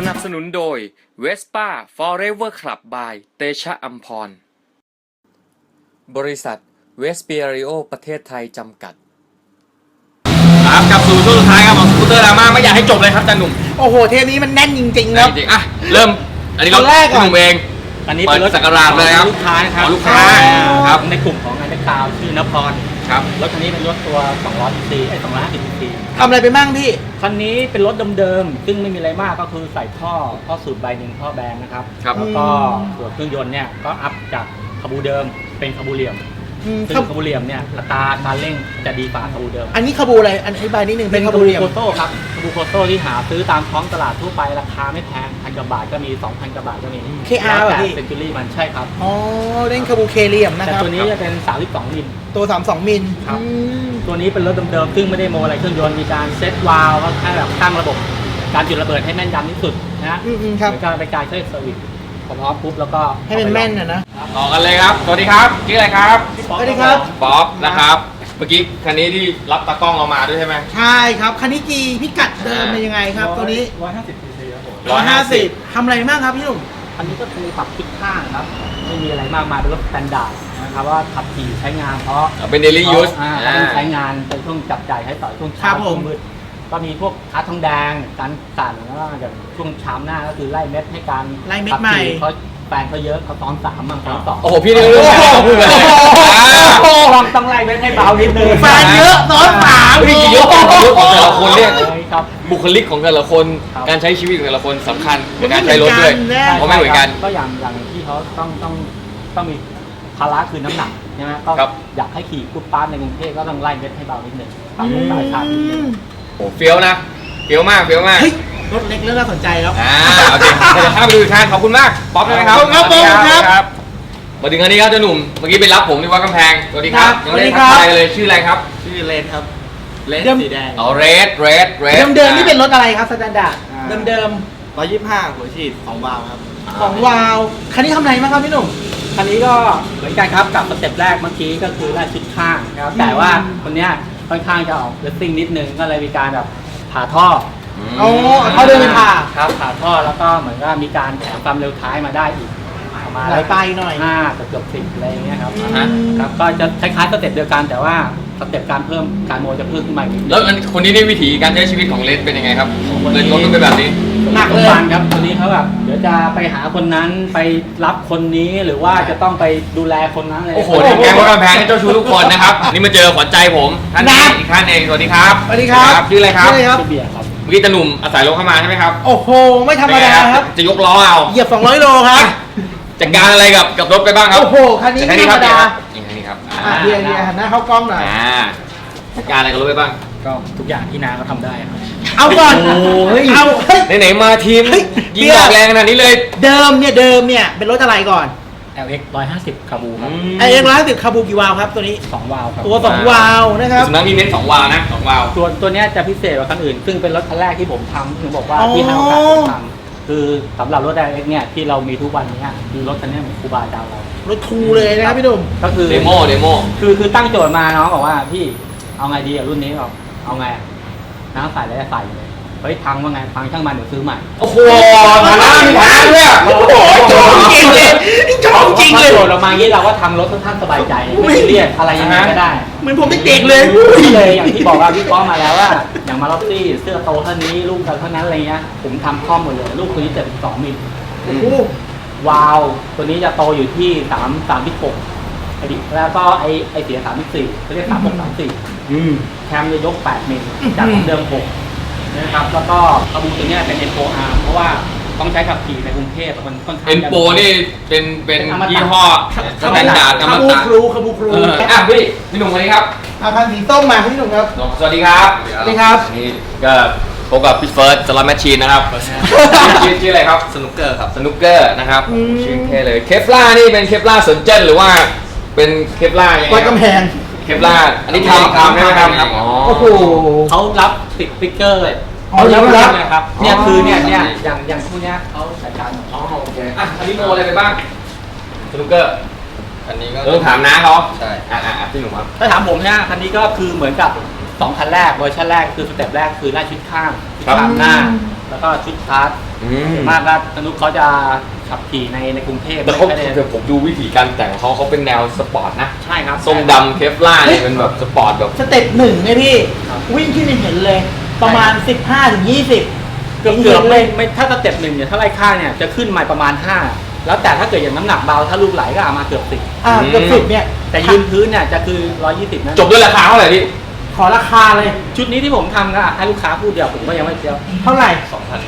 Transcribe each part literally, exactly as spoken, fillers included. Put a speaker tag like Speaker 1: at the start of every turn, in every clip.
Speaker 1: นับสนุนโดย Vespa Forever Club by เตชะอัมพรบริษัทเวสเปียริโอประเทศไทยจำกัดครับกลับสู่ช่วงสุดท้ายครับของสกูตเตอร์ดราม่าไม่อยากให้จบเลยครับจันหนุ่ม
Speaker 2: โอ้โหเทปนี้มันแน่นจริงๆครับ
Speaker 1: จริงๆอ่ะเริ่มอันนี้รถแรกหนุ่มเอง
Speaker 3: อันนี้เป็นรถ
Speaker 1: สักการะเลยครับ
Speaker 3: ลูกค้าครับ
Speaker 1: ลูกค้าครับ
Speaker 3: ในกลุ่มของไอ้เล็กตาวชื่อนพร
Speaker 1: ครับ
Speaker 3: รถคันนี้เป็นรถตัวสองร้อยซีซีไอ้สองร้อยห้าสิบซีซี
Speaker 2: ทำอะไรไปบ้างพี่
Speaker 3: คันนี้เป็นรถเดิมๆซึ่งไม่มีอะไรมากก็คือใส่ท่อท่อสูบใบหนึ่งท่อแบนนะครับแล้วก็ส่วนเครื่องยนต์เนี่ยก็อัพจากคาบูเดิมเป็นคาบูเหลี่ยมซึ่งคาบูเหลี่ยมเนี่ยอัตราการเร่งจะดีกว่าคาบูเดิม
Speaker 2: อันนี้คาบูอะไรอันอธิบายนิดนึง
Speaker 3: เป็นคาบูโคโต้ครับคาบูโคโต้ที่หาซื้อตามท้องตลาดทั่วไปราคาไม่แพงพันกว่าบาทก็มี สองพันกว่าบาทก็มี
Speaker 2: เค อาร์ แบบนี้
Speaker 3: เซนจูรี่มันใช่ครับ
Speaker 2: อ๋อเล่นคาบูเคเลียมนะครับ
Speaker 3: แต่ตัวนี้จะเป็นสามสิบสองมิล
Speaker 2: ตัวสามสิบสองมิล
Speaker 3: ครับตัวนี้เป็นรถเดิมๆซึ่งไม่ได้โมอะไรเครื่องยนต์มีการเซตวาล์วก็แค่แบบตั้งระบบการจุดระเบิดให้แม่นยำที่สุดนะฮะเหมือนการไปการเช็คเซอร์วิสพร้อมปุ๊บแล้วก็
Speaker 2: ให้มันแม่นนะนะ
Speaker 1: ต่อกันเลยครับสวัสดีครับชื่ออะไรครับ
Speaker 2: สวัสดีครับ
Speaker 1: ป๊อปนะครับเมื่อกี้คันนี้ที่รับตากล้องเรามาด้วยใช่ไหม
Speaker 2: ใช่ครับคันนี้จีพิกัดเดิมเป็นยังไงครับตัวนี้
Speaker 3: ร้อยห้าสิบซีซีครับผม
Speaker 2: ร้อยห้าสิบทำอะไรบ้างครับพี่หนุ่ม
Speaker 3: อันนี้ก็คือปรับทิศข้างครับไม่มีอะไรมากมายเป็นรถสแตนดาร์ดนะครับว่าขับขี่ใช้งานเพราะ
Speaker 1: เป็น daily use
Speaker 3: ต้องใช้งานเป็นช่วงจับจ่ายใช้สอยช่วงเช้าช่วงมืดก็มีพวกคัสทองแดงการสั่นแล้วก็อย่างช่วงเช้าหน้าก็คือไล่เม็ดให้การ
Speaker 2: ไล่เม็ดใหม่
Speaker 3: เขาแฟนเขาเยอะเขาซ้อนสามมั่งซ้อนสอง
Speaker 1: โอ้โหพี่นี่รู้แล้วพูดเลย
Speaker 3: ต้องต้องไล่เม็ดให้เบานิดนึง
Speaker 2: แฟนเยอะซ้อนสาม
Speaker 1: พี่เยอะของแต่ละคนเนี่ยบุคลิกของแต่ละคนการใช้ชีวิตของแต่ละคนสำคัญในการใช้รถด้วยเพราะไม่เหมือนกัน
Speaker 3: ก็อย่างอย่างที่เขาต้องต้องต้องมีภาระคือน้ำหนักใช่ไหมก็อยากให้ขี่ปุ๊บปั๊บในกรุงเทพก็ต้องไล่เม็ดให้เบานิดนึงปรับลงสายชาร์จนิดนึง
Speaker 1: โอ้เฟี้ยวนะเฟี้ยวมากเฟี้ยวมาก
Speaker 2: รถเล็กเรื่องน่าสนใจครับ
Speaker 1: อ่าโอเคเดี๋ยวข้าไปดูอีกคันขอบคุณมากป๊อปใช่ไหมครับ
Speaker 2: ครับผม
Speaker 1: ครับมาถึงคันนี้ครับเจ้าหนุ่มเมื่อกี้ไปรับผมที่วัดกำแพงสวัสดีครับ
Speaker 2: ยังไม่ได้
Speaker 1: ทักทายเลยชื่ออะไรครับ
Speaker 3: ชื่อเลนครับเลนสีแดง
Speaker 1: อ๋อเรดเรดเรด
Speaker 2: เดิมๆนี่เป็นรถอะไรครับสแตนดาร์ดเดิม
Speaker 3: ๆร้อยยี่สิบห้าหัวฉีดของวาล์วครับ
Speaker 2: ของวาล์วคันนี้ทำอะไรบ้างครับพี่หนุ่ม
Speaker 3: คันนี้ก็เหมือนกันครับกับสเต็ปแรกเมื่อกี้ก็คือไล่ชิดข้างนะครับแต่ว่าคนนี้ค่อนข้างจะออกเลสซิ่งนิดนึงก็เลยมีการแบบผ่าท่อ
Speaker 2: โอ้เขาเดินผ่า
Speaker 3: ครับผ่าท่อแล้วก็เหมือนก็มีการแถมความเร็วท้ายมาได้อีก
Speaker 2: มาหลายไปหน่อย
Speaker 3: ห้าเกือบสิบอะไรอย่างเงี้ยครับครับก็จะคล้ายๆสเต็ปเดียวกันแต่ว่าสเต็ปการเพิ่มการโมจะเพิ่มขึ้นมาอีก
Speaker 1: แล้วคนนี้ได้วิธีการใช้ชีวิตของเลนเป็นยังไงครับเลนรถต้องเป็นแบบนี้
Speaker 3: หนักเลยครับคนนี้เขาแบบเดี๋ยวจะไปหาคนนั้นไปรับคนนี้หรือว่าจะต้องไปดูแลคนนั้นเลย
Speaker 1: โอ้โหแกงวัดกำแพงเจ้าชู้ทุกคนนะครับนี่มาเจอขวัญใจผมท่านนี้อีกท่านเองสวัสดีครับ
Speaker 2: สวัสดีครับ
Speaker 1: ชื่ออะไรครับ
Speaker 3: ชื่อเบียร์ครับ
Speaker 1: เมื่อกี้ตาหนุ่มอาศัยรถเข้ามาใช่ไหมครับ
Speaker 2: โอ้โหไม่ธรรมดาครับ
Speaker 1: จะยกล้อเอา
Speaker 2: เหยียบสองร้อยโลครับ
Speaker 1: จัดการอะไรกับกับรถไปบ้างครับ
Speaker 2: โอ้โหคันนี้ไม่ธรรมดา
Speaker 1: อย่างนี้ครับ
Speaker 2: เบียร์เบียร์หันหน้าเข้ากล้องหน่อย
Speaker 1: จัดการอะไรกับรถไปบ้าง
Speaker 3: ก็ทุกอย่างที่นาก็ทำได้ครับ
Speaker 2: เอาก่อนเอา
Speaker 1: ไหนๆมาทีมยิงดอกแรงขนาดนี้เลย
Speaker 2: เดิมเนี่ยเดิมเนี่ยเป็นรถอะไรก่อน
Speaker 3: แอล เอ็กซ์ หนึ่งร้อยห้าสิบคาบูครับ
Speaker 2: แอล เอ็กซ์ หนึ่งร้อยห้าสิบคาบูกี่วาล์วครับตัวนี้
Speaker 3: สองวาล์วครับ
Speaker 2: ตัวสองวาล์วนะครับ
Speaker 1: สุนัขมีเน้นสองวาล์วนะสองวาล์ว
Speaker 3: ตัวตัวนี้จะพิเศษกว่าคันอื่นซึ่งเป็นรถคันแรกที่ผมทำถึงบอกว่าที่ให้โอกาสผมทำคือสำหรับรถ แอล เอ็กซ์ เนี่ยที่เรามีทุกวันนี้คือรถคันนี้เหมือนครูบาอาจารย์เรา
Speaker 2: รถทูเลยนะครับพี่หนุ่ม
Speaker 1: ก็คือเดโมเดโม
Speaker 3: คือคือตั้งโจทย์มาน้องบอกว่าพี่เอาไงดีอะรุ่นนี้บอกเอาไงน้ำใส่แล้วจะใส่เลยเฮ้ยพังว่าไงพังช่างมันเดี๋ยวซื้อใหม่
Speaker 1: โอ้โหฐานะมีฐานะเลย
Speaker 2: โอ้โหจริงเลยจจริงเลย
Speaker 3: โจทย์ออกมางี้เราก็ทำรถค่อนข้างสบายใจไม่เรียกอะไรยังไงก็ได้
Speaker 2: เหมือนผมเด็กเลย
Speaker 3: เลยอย่างที่บอกว่าวิเคราะห์มาแล้วว่าอย่างมาล็อกซี่เสื้อโตเท่านี้ลูกเท่านั้นอะไรเงี้ยผมทำข้อมหมดเลยลูกตัวนี้เจ็ดสิบสองมิลวาล์วตัวนี้จะโตอยู่ที่สามสามสิบหกแล้วก็ไอไอเสียสามสิบสี่เขาเรียกสามหกสามสี่แคมจะยกแปดมิลจากเดิมหกนะครับแล้วก็คาบูตัวนี้เป็น เอ็น โฟ อาร์ เพราะว่าต้องใช้ขับขี่ในกรุงเทพมันค่อนข้าง
Speaker 1: เอ็น โฟ นี่เป็นเป็นยี่ห้อสแตนดาร์ด
Speaker 2: คาบูครูคาบูครู
Speaker 1: อ่ะพี่พี่หนุ่มคนนี้ครับ
Speaker 2: อาคันสีส้มมาพี่หนุ่มครับ
Speaker 1: สวัสดีครับ
Speaker 2: สวัสดีครับ
Speaker 1: นี่ก็พบกับพี่เฟิร์สสล็อตแมชชีนนะครับชื่อชื่ออะไรครับ
Speaker 3: สนุกเกอร์ครับ
Speaker 1: สนุกเกอร์นะครับชื่อเท่เลยเคฟล่านี่เป็นเคฟล่าสนเจนหรือว่าเป็นเคฟล่า
Speaker 2: วัดกำแพง
Speaker 1: เคฟล่าอันนี้ทำทำใช่ไหมครับ
Speaker 2: โอ้โห
Speaker 3: เขารับติดสติ๊กเกอร์เลย
Speaker 2: อ๋อรับ
Speaker 3: รับนะครับเนี่ยคือเนี่ยเนี่ยอย่างอย่างพวกเนี้ยเขาใส่กัน
Speaker 1: อ๋อโอเคอ่ะอันนี้โมอะไรไปบ้างสนุกเกอร์
Speaker 3: อันนี้ก็
Speaker 1: ต้องถามน้าเขา
Speaker 3: ใช่
Speaker 1: อ่ะอ่ะพี่หนุ่มครับ
Speaker 3: ถ้าถามผมเนี่ยคันนี้ก็คือเหมือนกับสองคันแรกเวอร์ชันแรกคือสเต็ปแรกคือไล่ชุดข้างชุด
Speaker 1: ครับ
Speaker 3: ข้างหน้า แล้วก็ชุดพาร์ท
Speaker 1: อืม
Speaker 3: มากก็อนุเขาจะขับขี่ในในกรุงเทพ
Speaker 1: แต่เขา
Speaker 3: ไม่ได้
Speaker 1: แต่ผมดูวิธีการแต่งของเขาเขาเป็นแนวสปอร์ตนะ
Speaker 3: ใช่ครับ
Speaker 1: ทรงดำเคฟล่าเนี่ยเป็นแบบสปอร์ตแบบ
Speaker 2: สเต็ปหนึ่งไงพี่
Speaker 3: ครับ
Speaker 2: วิ่งขึ้นเห็นเลย ประมาณ สิบห้าถึงยี่สิบ
Speaker 3: เกือบเกือบไม่ไม่ถ้าสเต็ปหนึ่งเนี่ยถ้าไล่ข้างเนี่ยจะขึ้นมาประมาณห้าแล้วแต่ถ้าเกิดอย่างน้ำหนักเบาถ้าลูกไหลก็เอามาเกือบสิบ
Speaker 2: อ่าเกือบสิบเนี่ย
Speaker 3: แต่ยืนพื้นเนี่ยจะคือร้อยยี่สิบนะ
Speaker 1: จบด้วยราคาเท่าไหร่พี่
Speaker 2: ขอราคาเลย
Speaker 3: ชุดนี้ที่ผมทำก็ให้ลูกค้าพูดเดียวผมก็ยังไม่เจียว
Speaker 2: เท่าไหร่
Speaker 3: สองพัน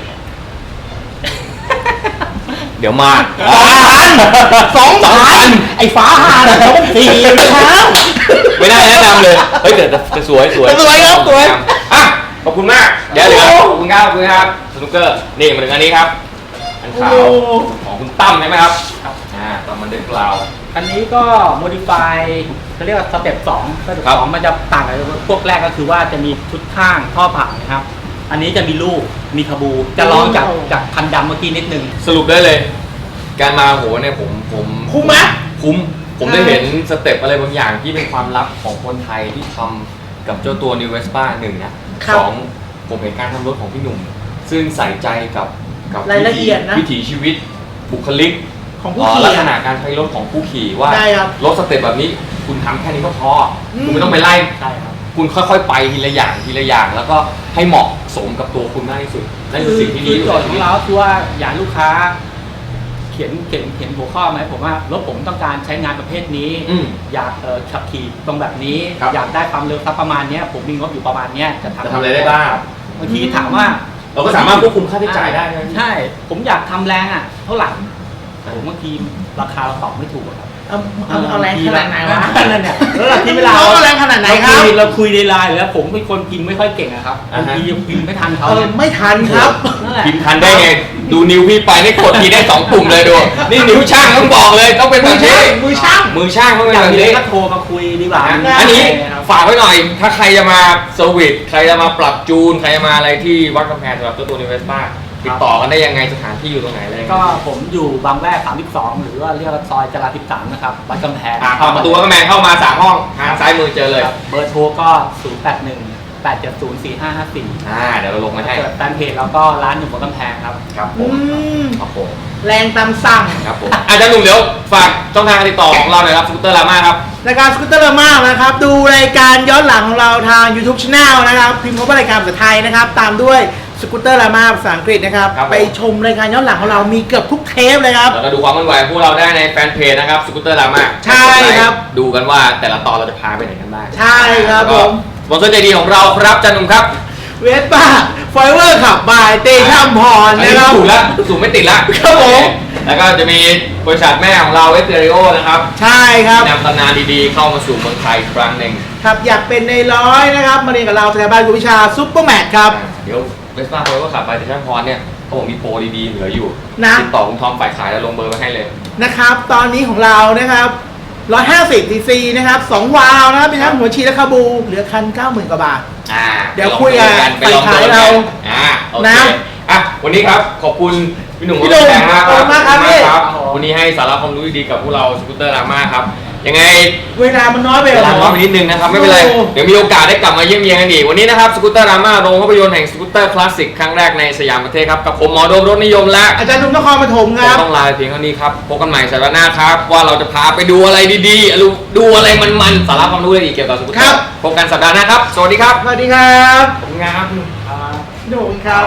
Speaker 1: เดี๋ยวมา
Speaker 2: สองพันไอ้ฟ้าหาเนี่ยสองสี่เช้า
Speaker 1: ไม่น่าแนะนำเลยเฮ้ยแต่แต่แต่สวยสวย
Speaker 2: สวยครับสวย
Speaker 1: อ่ะขอบคุณมากเดี๋ยวเหลือขอบคุณครับขอบคุณครับสนุกเกอร์นี่มาถึงอันนี้ครับอันขาวของคุณตั้มใช่ไหมครับ
Speaker 3: ครับ
Speaker 1: อ่าตอนมันเดินกล่าว
Speaker 3: อันนี้ก็ modify เขาเรียกว่าสเต็ปสองสเต็ป
Speaker 1: ครับ
Speaker 3: สองมันจะต่างกับพวกแรกก็คือว่าจะมีชุดข้างท่อผ่านนะครับ อันนี้จะมีลูกมีขบู จะร้องจากจากคันดำเมื่อกี้นิดนึง
Speaker 1: สรุปได้เลย การมาโหเนี่ยผมผม
Speaker 2: คุ้มไหม
Speaker 1: คุ้มผมได้เห็นสเต็ปอะไรบางอย่างที่เป็นความลับของคนไทยที่ทำกับเจ้าตัว New Vespa หนึ่งนะครับ สองผมเห็นการทำรถของพี่หนุ่ม ซึ่งใส่ใจกับกับ
Speaker 2: รายละเอียดนะ
Speaker 1: วิถีชีวิตบุคลิก
Speaker 2: ของผู้
Speaker 1: เอ่อ
Speaker 2: ขี่
Speaker 1: ลักษ
Speaker 2: อะ
Speaker 1: ณะการใช้รถของผู้ขี่ว่า
Speaker 2: ได้ครับ
Speaker 1: รถสเต็ปแบบนี้คุณทำแค่นี้ก็พออ
Speaker 2: ม
Speaker 1: คุณไม่ต้องไปไล่
Speaker 3: ใช่ครับ
Speaker 1: คุณค่อยๆไปทีละอย่างทีละอย่าง แล้วก็ให้เหมาะสมกับตัวคุณมากที่สุดนั่นคือสิ่งที่ดี
Speaker 3: คือ
Speaker 1: ที่
Speaker 3: โจ
Speaker 1: สุ
Speaker 3: ท
Speaker 1: ด
Speaker 3: ย์ของเราคือว่าอยากให้ลูกค้า เขียนเขียนเขียนหัวข้อไหมผมว่ารถผมต้องการใช้งานประเภทนี้
Speaker 1: อืม
Speaker 3: อยากเอ่อขับขี่ตรงแบบนี้
Speaker 1: ครับ
Speaker 3: อยากได้ความเร็วสักประมาณเนี้ยผมมีงบอยู่ประมาณเนี้ยจะทำ
Speaker 1: จะทำอะไรได้บ้าง
Speaker 3: บางทีถามว่า
Speaker 1: เราก็สามารถควบคุมค่าใช้จ่ายได้ใช่ไหม
Speaker 3: ใช่ ผมอยากทำแรงอ่ะเท่าไหร่ผมบางทีราคาเราตอบไม่ถูกอะครับ
Speaker 2: เอาเอาเอาแรงขนาดไหนวะ
Speaker 3: นั่นเนี่ยแล้วที่เวลา
Speaker 2: เอาแรงขนาดไหนครับ
Speaker 3: เาคุยเราคุยในไลน์แล้วผมเป็นคนพิมพ์ไม่ค่อยเก่งอะครับ
Speaker 1: อ่า
Speaker 3: บาง
Speaker 1: ฮะ
Speaker 3: ทีพิมพ์ไม่ทันเขา
Speaker 2: เออไม่ทันครับ
Speaker 3: นั่นแหละ
Speaker 1: พิมพ์ทันได้ไง ดูนิ้วพี่ไปนี่กดทีได้สองปุ่มเลยดู นี่นิ้วช่างต้องบอกเลยต้องเป็นแบบนี้
Speaker 2: มือช่าง
Speaker 1: มือช่างต้องเป็น
Speaker 3: อย่าง
Speaker 1: แบบ
Speaker 3: นี้
Speaker 1: นี้
Speaker 3: ก็โทรมาคุยดีกว่า
Speaker 1: นะอันนี้ฝากไว้หน่อย ถ้าใครจะมาเซอร์วิสใครจะมาปรับจูน ใครจะมาอะไรที่วัดกำแพงสำหรับตัวตัวนิเวสป้าติดต่อกันได้ยังไงสถานที่อยู่ตรงไหนอะไรยังไง
Speaker 3: ก็ผมอยู่บางแวกสามสิบสองหรือว่าเรียกว่าซอยจราสิบสามนะครับวัดกำแพง
Speaker 1: อ่าเข้าประตูวัดกำแพงเข้ามาสามห้องทางซ้ายมือเจอเลย
Speaker 3: ครับเบอร์โทรก็ศูนย์ แปด หนึ่ง แปด เจ็ด ศูนย์ สี่ ห้า ห้า สี่
Speaker 1: อ่าเดี๋ยวเราลงมาให้
Speaker 3: เกิดแฟนเพจแล้วก็ร้านอยู่บนกำแพงครับ
Speaker 1: ครับผ
Speaker 2: อื
Speaker 1: ม
Speaker 2: ม
Speaker 1: ครับผม
Speaker 2: แรงตามสั่ง
Speaker 1: ครับผมอาจารย์หนุ่มเดี๋ยวฝากช่องทางการติดต่อของเราหน่อยครับสกูตเตอร์ลาม่าครับ
Speaker 2: รายการสกูตเตอร์มากนะครับ ดูรายการย้อนหลังของเราทาง YouTube Channel นะครับ พิมพ์คำว่ารายการภาษาไทยนะครับ ตามด้วยสกูตเตอร์ลาม่าภาษาอังกฤษนะครับ
Speaker 1: ครับผม
Speaker 2: ไปชมรายการย้อนหลังของเรามีเกือบทุกเทปเลยครับ
Speaker 1: แล้วก็ดูความเคลื่อนไหวของพวกเราได้ในแฟนเพจนะครับสกูตเตอร์ลาม่า
Speaker 2: ใช่ครับ
Speaker 1: ดูกันว่าแต่ละตอนเราจะพาไปไหนกันบ้าง
Speaker 2: ใช่ครับ
Speaker 1: แล้วก็
Speaker 2: ผม
Speaker 1: สปอนเซอร์ใจดีของเราครับอาจารย์หนุ่มครับ
Speaker 2: เวสป้าไฟเวอร์ขับบายเตชัมพร
Speaker 1: อัน
Speaker 2: นะ
Speaker 1: นี้
Speaker 2: ครับ
Speaker 1: ถูกแล้วถูกไม่ติดแล้ว
Speaker 2: ครับผม
Speaker 1: แล้วก็จะมีบริษัทแม่ของเราเอสเตอริโอนะครับ
Speaker 2: ใช่ครับ
Speaker 1: นำตำนานดีๆ เข้ามาสู่เมืองไทยอีกครั้งหนึ่ง
Speaker 2: ครับอยากเป็นในร้อยนะครับ มาเรียนกับเราสถาบันกวดวิชาซุปเปอร์แมทครับ
Speaker 1: เดี๋ยวเวสป้าโปรก็ขับไปแต่ช่างพรเนี่ยเขาบอกมีโปรดีๆเหลืออยู่
Speaker 2: นะ
Speaker 1: ติดต่อคุณทอมฝ่ายขายแล้วลงเบอร์ไว้ให้เลย
Speaker 2: นะครับ ตอนนี้ของเรานะครับหนึ่งร้อยห้าสิบซีซีนะครับสองวาล์วนะครับเป็นทั้งหัวฉีดและคาบู เหลือคัน เก้าหมื่น กว่าบาท
Speaker 1: อ่า
Speaker 2: เดี๋ยวคุยกัน
Speaker 1: ไปลองดู
Speaker 2: ฝ่ายขายเรา
Speaker 1: อ่าโอเค
Speaker 2: นะ
Speaker 1: อ่ะวันนี้ครับขอบคุณพี่หนุ่ม
Speaker 2: พี่หนุ่ม
Speaker 1: แสงมาก
Speaker 2: ขอบคุณมากครับพี่
Speaker 1: ครับวันนี้ให้สาระความรู้ดีๆกับพวกเราสกูตเตอร์ลาม่าครับยังไง
Speaker 2: เวลามันน้อยไป
Speaker 1: เว
Speaker 2: เหร
Speaker 1: ลา
Speaker 2: อ
Speaker 1: น้อยไปนิดนึงนะครับไม่เป็นไร
Speaker 2: โอ้
Speaker 1: เดี๋ยวมีโอกาสได้กลับมาเยี่ยมเยียนกันอีกวันนี้นะครับสกูตเตอร์ลาม่าโรงภาพยนตร์แห่งสกูตเตอร์คลาสสิกครั้งแรกในสยามประเทศครับกับผมหมอโดมรถนิยมและ
Speaker 2: อาจารย์หนุ่มนครปฐมค
Speaker 1: ผม
Speaker 2: รับ
Speaker 1: ต้องลาไปเพียงเท่านี้ครับพบกันใหม่สัปดาห์หน้าครับว่าเราจะพาไปดูอะไรดีๆดูดูอะไรมันๆสาระความรู้ดีๆเกี่ยวกับสกูตเตอ
Speaker 2: ครับ
Speaker 1: ร์พบกันสัปดาห์หน้าครับสวัสดีครับ
Speaker 2: สวัสดีครับ
Speaker 1: ขอบคุณครับ
Speaker 2: พี่หนุ่มครับ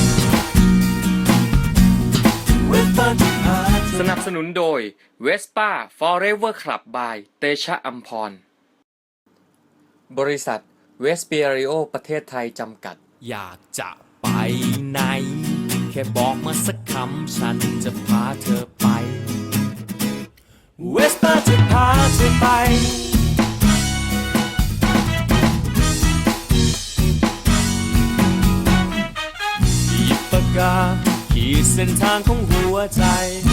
Speaker 1: สนับสนุนโดย Vespa Forever Club by เตชะอัมพร บริษัทเวสเปียริโอประเทศไทยจำกัด
Speaker 4: อยากจะไปไหน แค่บอกมาสักคำฉันจะพาเธอไป เวสป้าจะพาเธอไป หยิบปากกาขีดเส้นทางของหัวใจ